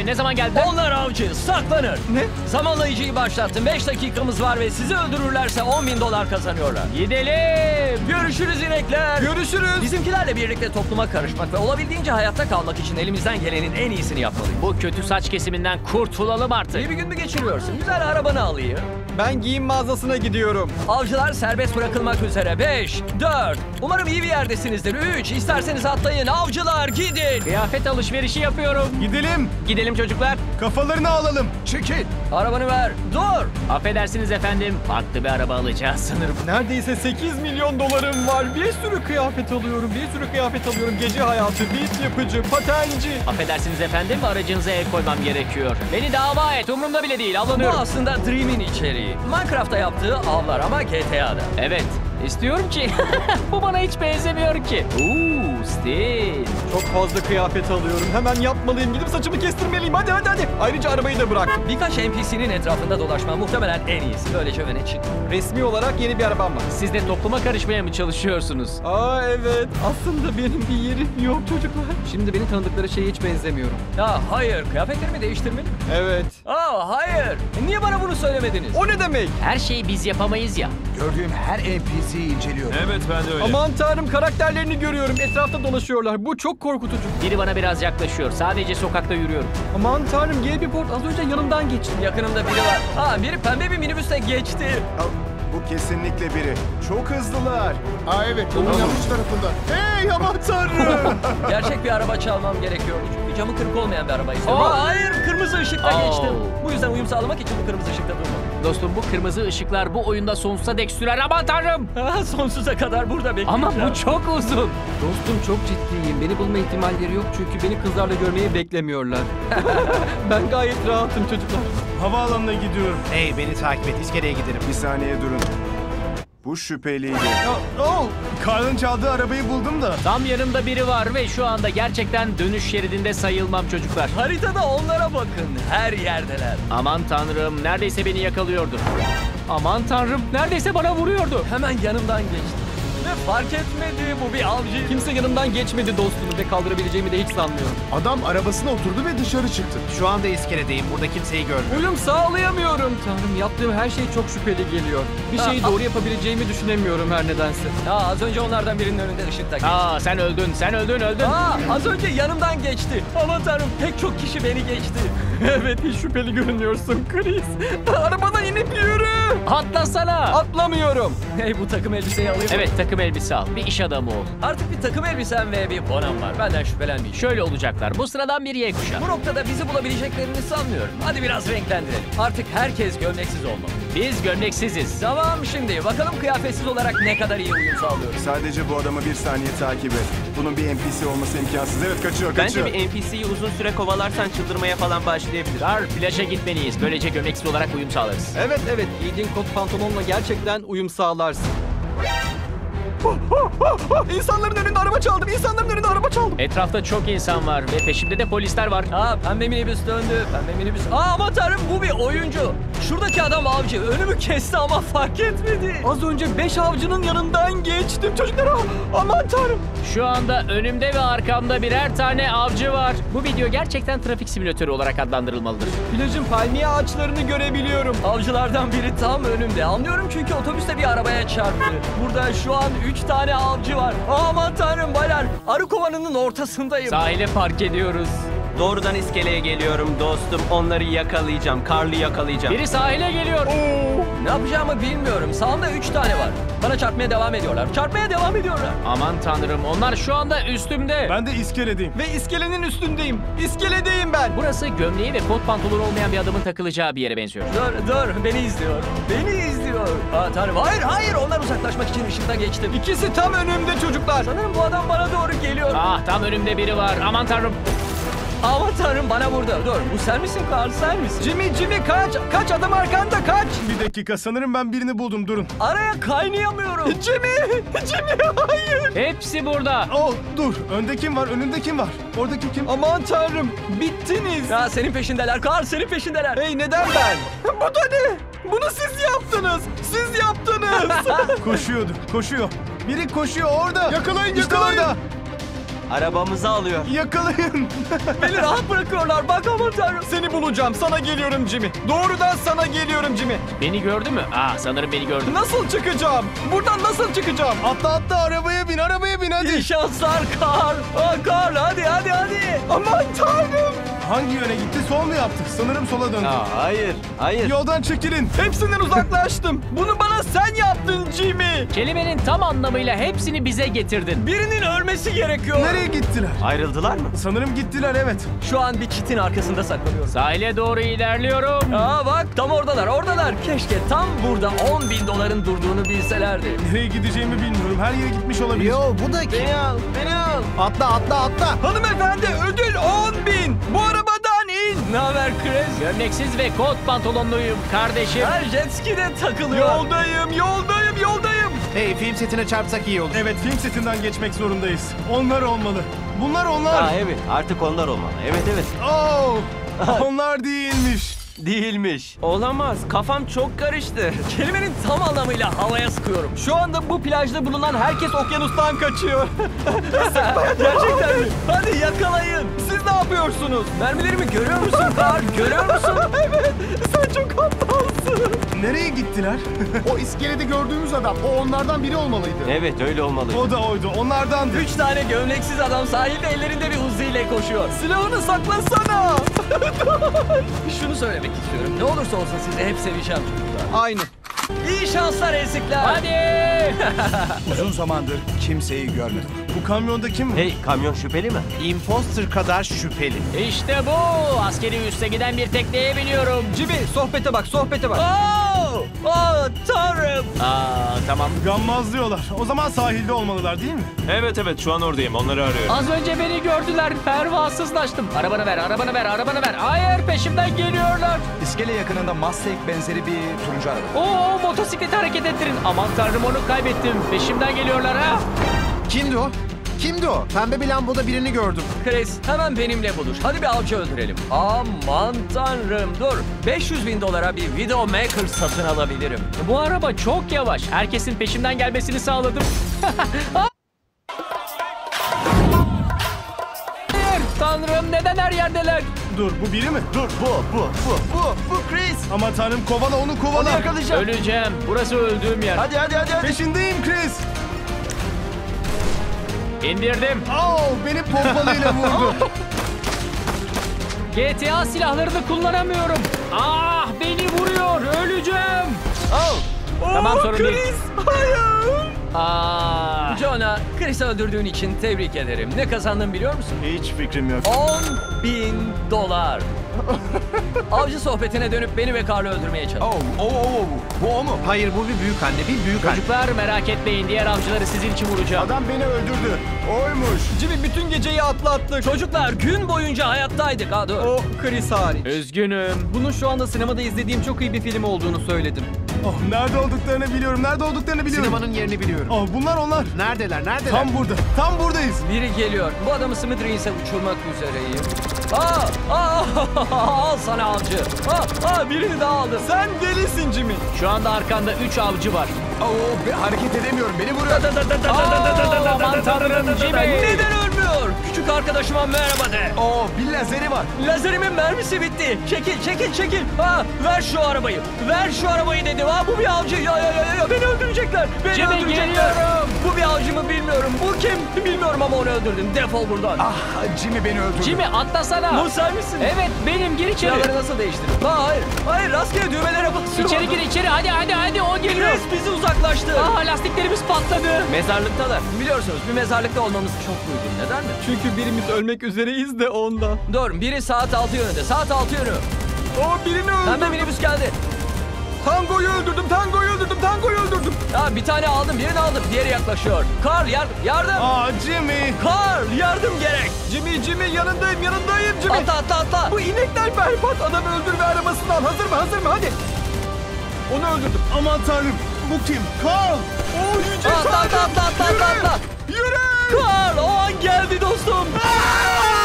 Ne zaman geldiler? Onlar avcı, saklanır. Ne? Zamanlayıcıyı başlattım. 5 dakikamız var ve sizi öldürürlerse $10.000 kazanıyorlar. Gidelim. Görüşürüz inekler. Görüşürüz. Bizimkilerle birlikte topluma karışmak ve olabildiğince hayatta kalmak için elimizden gelenin en iyisini yapmalıyız. Bu kötü saç kesiminden kurtulalım artık. İyi bir gün mü geçiriyorsun? Güzel arabanı alayım. Ben giyim mağazasına gidiyorum. Avcılar serbest bırakılmak üzere. 5, 4. Umarım iyi bir yerdesinizdir. 3. İsterseniz atlayın. Avcılar gidin. Kıyafet alışverişi yapıyorum. Gidelim. Gidelim çocuklar. Kafalarını alalım. Çekil. Arabanı ver. Dur. Affedersiniz efendim. Farklı bir araba alacağız sanırım. Neredeyse $8 milyon var. Bir sürü kıyafet alıyorum. Gece hayatı, beat yapıcı, patenci. Affedersiniz efendim. Aracınıza el koymam gerekiyor. Beni dava et. Umurumda bile değil. Bu Avlanıyorum. aslında Dream'in içeriği. Minecraft'ta yaptığı avlar ama GTA'da. Evet. İstiyorum ki. Bu bana hiç benzemiyor ki. Stil. Çok fazla kıyafet alıyorum. Hemen yapmalıyım. Gidip saçımı kestirmeliyim. Hadi. Ayrıca arabayı da bırak. Birkaç NPC'nin etrafında dolaşma muhtemelen en iyisi. Böylece öne çık. Resmi olarak yeni bir arabam var. Siz de topluma karışmaya mı çalışıyorsunuz? Aa evet. Aslında benim bir yerim yok çocuklar. Şimdi beni tanıdıkları şeye hiç benzemiyorum. Ya hayır, kıyafetlerimi değiştirmeli mi? Evet. Hayır. Niye bana bunu söylemediniz? O ne demek? Her şeyi biz yapamayız ya. Gördüğüm her NPC'yi inceliyorum. Evet ben de öyle. Aman tanrım, karakterlerini görüyorum. Etrafta dolaşıyorlar. Bu çok korkutucu. Biri bana biraz yaklaşıyor. Sadece sokakta yürüyorum. Aman tanrım, Gelbiport az önce yanımdan geçti. Yakınımda biri var. Biri pembe bir minibüste geçti. Bu kesinlikle biri. Çok hızlılar. Evet, onun yanlış tarafında. Hey aman tanrım. Gerçek bir araba çalmam gerekiyor. Çünkü camı kırık olmayan bir araba istiyorum. Oh. Hayır, kırmızı ışıkta Oh. geçtim. Bu yüzden uyum sağlamak için bu kırmızı ışıkta durmalıyım. Dostum bu kırmızı ışıklar bu oyunda sonsuza dek sürer. Aman tanrım. Sonsuza kadar burada bekleyeceğim. Ama bu çok uzun. Dostum çok ciddiyim. Beni bulma ihtimalleri yok çünkü beni kızlarla görmeyi beklemiyorlar. Ben gayet rahatım çocuklar. Havaalanına gidiyorum. Hey beni takip et, iskeleye giderim. Bir saniye durun. Bu şüpheliydi. Karl'ın çaldığı arabayı buldum da. Tam yanımda biri var ve şu anda gerçekten dönüş şeridinde sayılmam çocuklar. Haritada onlara bakın. Her yerdeler. Aman tanrım neredeyse beni yakalıyordu. Aman tanrım neredeyse bana vuruyordu. Hemen yanımdan geçti. Ve fark etmedi, bu bir avcı. Kimse yanımdan geçmedi dostum ve kaldırabileceğimi de hiç sanmıyorum. Adam arabasına oturdu ve dışarı çıktı. Şu anda iskeledeyim. Burada kimseyi görmüyorum. Uyum sağlayamıyorum. Tanrım, yaptığım her şey çok şüpheli geliyor. Bir şeyi doğru yapabileceğimi düşünemiyorum her nedense. Az önce onlardan birinin önünde ışıkta geçti. Sen öldün öldün. Az önce yanımdan geçti. Aman tanrım, pek çok kişi beni geçti. Evet, hiç şüpheli görünüyorsun Chris. Arabadan inip yürü. Atlasana. Atlamıyorum. Hey, bu takım elbiseyi alayım. Evet takım elbise al. Bir iş adamı ol. Artık bir takım elbisem ve bir bonam var. Benden şüphelenmeyin. Şöyle olacaklar. Bu sıradan bir Y kuşağı. Bu noktada bizi bulabileceklerini sanmıyorum. Hadi biraz renklendirelim. Artık herkes gömleksiz olmalı. Biz gömleksiziz. Tamam, şimdi bakalım kıyafetsiz olarak ne kadar iyi uyum sağlıyoruz. Sadece bu adamı bir saniye takip et. Bunun bir NPC olması imkansız. Evet, kaçıyor. Bence bir NPC'yi uzun süre kovalarsan çıldırmaya falan başlayabilir. Plaja gitmeliyiz. Böylece gömleksiz olarak uyum sağlarız. Evet, giydiğin kot pantolonla gerçekten uyum sağlarsın. İnsanların önünde araba çaldım. Etrafta çok insan var ve peşimde de polisler var. Pembe minibüs döndü. Pembe minibüs. Aman tanrım, bu bir oyuncu. Şuradaki adam avcı. Önümü kesti ama fark etmedi. Az önce 5 avcının yanından geçtim çocuklar. Aman tanrım. Şu anda önümde ve arkamda birer tane avcı var. Bu video gerçekten trafik simülatörü olarak adlandırılmalıdır. Plajın palmiye ağaçlarını görebiliyorum. Avcılardan biri tam önümde. Anlıyorum çünkü otobüste bir arabaya çarptı. Burada şu an 3 tane avcı var. Aman tanrım baylar. Arı kovanının ortasındayım. Sahile park ediyoruz. Doğrudan iskeleye geliyorum dostum. Onları yakalayacağım. Karl'ı yakalayacağım. Biri sahile geliyor. Ne yapacağımı bilmiyorum. Sağımda 3 tane var. Bana çarpmaya devam ediyorlar. Aman tanrım onlar şu anda üstümde. Ben de iskeledeyim. Ve iskelenin üstündeyim. İskeledeyim ben. Burası gömleği ve kot pantolonu olmayan bir adamın takılacağı bir yere benziyor. Dur. Beni izliyor. Tanrım. Hayır. Onlar uzaklaşmak için ışıkta geçtim. İkisi tam önümde çocuklar. Sanırım bu adam bana doğru geliyor. Tam önümde biri var. Aman tanrım. Aman tanrım, bana vurdu. Dur, bu sen misin Karl, sen misin? Jimmy kaç. Kaç, adam arkanda, kaç. Bir dakika, sanırım ben birini buldum, durun. Araya kaynayamıyorum. Jimmy hayır. Hepsi burada. Dur, önde kim var, önünde kim var? Oradaki kim? Aman tanrım, bittiniz. Senin peşindeler Karl, senin peşindeler. Hey, neden ben? Bu da ne? Bunu siz yaptınız. Koşuyor. Biri koşuyor orada. Yakalayın. İşte orada. Arabamızı alıyor. Yakalayın. Beni rahat bırakıyorlar. Bak aman tanrım. Seni bulacağım. Sana geliyorum Jimmy. Doğrudan sana geliyorum Jimmy. Beni gördü mü? Sanırım beni gördü. Nasıl çıkacağım? Buradan nasıl çıkacağım? Atla arabaya bin hadi. İyi şanslar Karl. Karl hadi. Aman tanrım. Hangi yöne gitti? Sol mu yaptı? Sanırım sola döndü. Hayır. Yoldan çekilin. Hepsinden uzaklaştım. Bunu bana sen yaptın Jimmy. Kelimenin tam anlamıyla hepsini bize getirdin. Birinin ölmesi gerekiyor. Nereye gittiler? Ayrıldılar mı? Sanırım gittiler evet. Şu an bir çitin arkasında saklanıyorum. Sahile doğru ilerliyorum. Bak tam oradalar. Keşke tam burada $10.000 durduğunu bilselerdi. Nereye gideceğimi bilmiyorum. Her yere gitmiş olabilir. bu da kim? Beni al. Atla. Hanımefendi ödül 10.000. Bu arabadan in. Ne haber Chris? Gömleksiz ve kot pantolonluyum kardeşim. Her jet ski'de takılıyor. Yoldayım. Hey, film setine çarpsak iyi olur. Evet, film setinden geçmek zorundayız. Onlar olmalı. Bunlar onlar. Evet. Artık onlar olmalı. Evet. Oh, onlar değilmiş. Değilmiş. Olamaz. Kafam çok karıştı. Kelimenin tam anlamıyla havaya sıkıyorum. Şu anda bu plajda bulunan herkes okyanustan kaçıyor. Gerçekten mi? Hadi yakalayın. Siz ne yapıyorsunuz? Mermilerimi görüyor musun Karl? Görüyor musun? Evet. Sen çok aptalsın. Nereye gittiler? O iskelede gördüğümüz adam, o onlardan biri olmalıydı. Evet öyle olmalı. O da oydu. Onlardandı. 3 tane gömleksiz adam sahilde ellerinde bir Uzi ile koşuyor. Silahını saklasana. Şunu söylemek istiyorum. Ne olursa olsun sizi hep seveceğim çocuklar. Aynı. İyi şanslar ezikler. Hadi. Uzun zamandır kimseyi görmedim. Bu kamyonda kim? Hey, kamyon şüpheli mi? Imposter kadar şüpheli. İşte bu. Askeri üste giden bir tekneye biniyorum. Jimmy sohbete bak. Tanrım. Tamam. Gammaz diyorlar. O zaman sahilde olmalılar değil mi? Evet şu an oradayım. Onları arıyorum. Az önce beni gördüler. Pervasızlaştım. Arabanı ver. Hayır, peşimden geliyorlar. İskele yakınında Mustang benzeri bir turuncu araba. Motosikleti hareket ettirin. Aman tanrım, onu kaybettim. Peşimden geliyorlar ha. Kimdi o? Pembe bir lamboda birini gördüm. Chris hemen benimle buluş. Hadi bir avcı öldürelim. Aman tanrım dur. $500.000 bir Videomaker satın alabilirim. Bu araba çok yavaş. Herkesin peşimden gelmesini sağladım. Hayır, tanrım, neden her yerdeler? Dur, bu biri mi? Dur, bu Chris. Ama tanrım, kovala onu kovala. Öleceğim. Burası öldüğüm yer. Hadi. Peşindeyim Chris. İndirdim. Beni pompalıyla vurdu. GTA silahlarını kullanamıyorum. Beni vuruyor. Öleceğim. Tamam, sorun değil. Chris, hayır. Aa, Jonah, Chris'i öldürdüğün için tebrik ederim. Ne kazandın biliyor musun? Hiç fikrim yok. $10.000. Avcı sohbetine dönüp beni ve Karl'ı öldürmeye çalış. Bu o mu? Hayır, bu bir büyük anne. Bir büyük anne. çocuklar merak etmeyin. Diğer avcıları sizin için vuracağım. Adam beni öldürdü. Oymuş. Jimmy bütün geceyi atlattık. Çocuklar gün boyunca hayattaydık. Dur. O Chris hariç. Üzgünüm. Bunun şu anda sinemada izlediğim çok iyi bir film olduğunu söyledim. Nerede olduklarını biliyorum. Sinemanın yerini biliyorum. Bunlar onlar. Neredeler? Tam burada. Tam buradayız. Biri geliyor. Bu adamı Smithereens'e uçurmak üzereyim. Al sana avcı. Birini daha aldım. Sen delisin Jimmy. Şu anda arkanda 3 avcı var. Hareket edemiyorum. Beni vuruyor. Aman tanrım, Jimmy. Neden ölmüyor? Küçük arkadaşıma merhaba de. Bir lazeri var. Lazerimin mermisi bitti. Çekil. Ver şu arabayı dedim. Bu bir avcı. Ya, beni öldürecekler. Jimmy, geliyorum. Bu bir avcı mı bilmiyorum. Bu kim bilmiyorum ama onu öldürdüm. Defol buradan. Jimmy beni öldürdü. Jimmy, atlasana. Bu sen misin? Evet, benim. Gir içeri. Silahları nasıl değiştirdin? Hayır, rastgele düğmelere basıyorum. İçeri gir, içeri. Hadi, o geliyor. Chris bizi uzaklaştır. Lastiklerimiz patladı. Mezarlıktalar. Biliyorsunuz bir mezarlıkta olmamız çok uygun. Neden mi? Çünkü birimiz ölmek üzereyiz de ondan. Dur, biri saat 6 yönünde. Saat 6 yönü. Birini öldürdüm. Pembe minibüs geldi. Tango'yu öldürdüm. Bir tane aldım, birini aldım. Diğeri yaklaşıyor. Karl yardım. Jimmy. Karl yardım gerek. Jimmy yanındayım Jimmy. Atla. Bu inekler berbat. Adamı öldürme arabasından. Hazır mı? Hadi. Onu öldürdüm. Aman tanrım. Bu kim? Carl. Yüce Atla. Yürü. Karl o an geldi dostum.